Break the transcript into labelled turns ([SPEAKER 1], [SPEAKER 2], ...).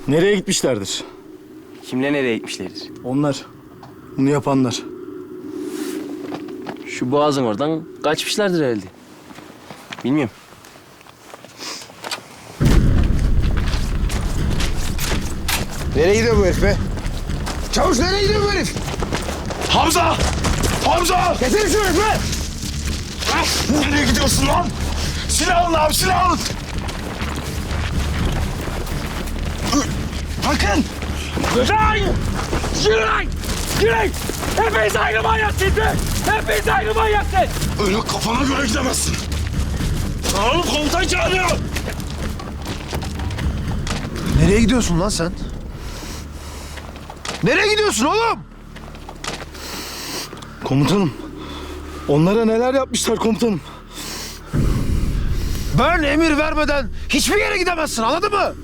[SPEAKER 1] Nereye gitmişlerdir?
[SPEAKER 2] Kimle nereye gitmişlerdir?
[SPEAKER 1] Onlar. Bunu yapanlar.
[SPEAKER 2] Şu boğazın oradan kaçmışlardır herhalde. Bilmiyorum.
[SPEAKER 3] Nereye gidiyor bu herif be? Çavuş nereye gidiyor bu herif?
[SPEAKER 4] Hamza! Hamza!
[SPEAKER 3] Getirin şu herifi!
[SPEAKER 4] Nereye gidiyorsun lan? Silah alın abi, silah alın! Bakın!
[SPEAKER 5] Lan! Yürü lan! Yürü! Hepiniz aynı manyaksınız be! Hepiniz aynı manyaksınız!
[SPEAKER 4] Öyle kafana göre gidemezsin. Oğlum komutan çağırıyor.
[SPEAKER 3] Nereye gidiyorsun lan sen? Nereye gidiyorsun oğlum?
[SPEAKER 1] Komutanım. Onlara neler yapmışlar komutanım.
[SPEAKER 3] Ben emir vermeden hiçbir yere gidemezsin, anladın mı?